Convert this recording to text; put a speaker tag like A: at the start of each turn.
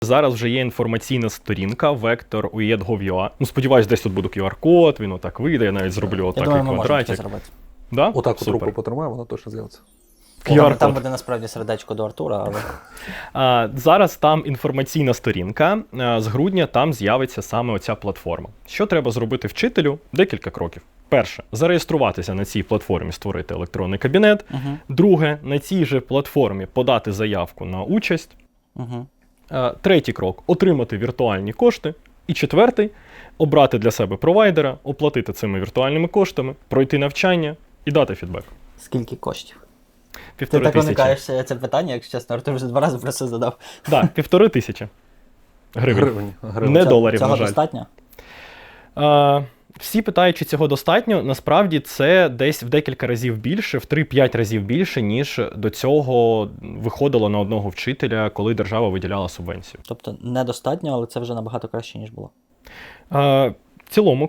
A: Зараз вже є інформаційна сторінка Vector UED.gov.ua. Ну, сподіваюсь, десь тут буде QR-код, він отак вийде, я навіть зроблю отак
B: Я думаю, ми можемо це
A: квадратик.
B: зробити.
A: Да?
C: Отак от
A: Супер.
C: руку потримаю, воно точно з'явиться.
A: QR-код.
B: Там буде насправді сердечко до Артура, але...
A: Зараз там інформаційна сторінка, з грудня там з'явиться саме оця платформа. Що треба зробити вчителю? Декілька кроків. Перше, зареєструватися на цій платформі, створити електронний кабінет. Друге, на цій же платформі подати заявку на участь. Третій крок – отримати віртуальні кошти. І четвертий – обрати для себе провайдера, оплатити цими віртуальними коштами, пройти навчання і дати фідбек.
B: Скільки коштів? Ти
A: 1500.
B: так уникаєш це питання, якщо чесно, Артур вже 2 рази про це задав.
A: Так, 1500 гривень. Не доларів,
B: цього
A: на жаль.
B: Достатньо?
A: Всі питають, чи цього достатньо. Насправді це десь в декілька разів більше, в 3-5 разів більше, ніж до цього виходило на одного вчителя, коли держава виділяла субвенцію.
B: Тобто недостатньо, але це вже набагато краще, ніж було.
A: В цілому,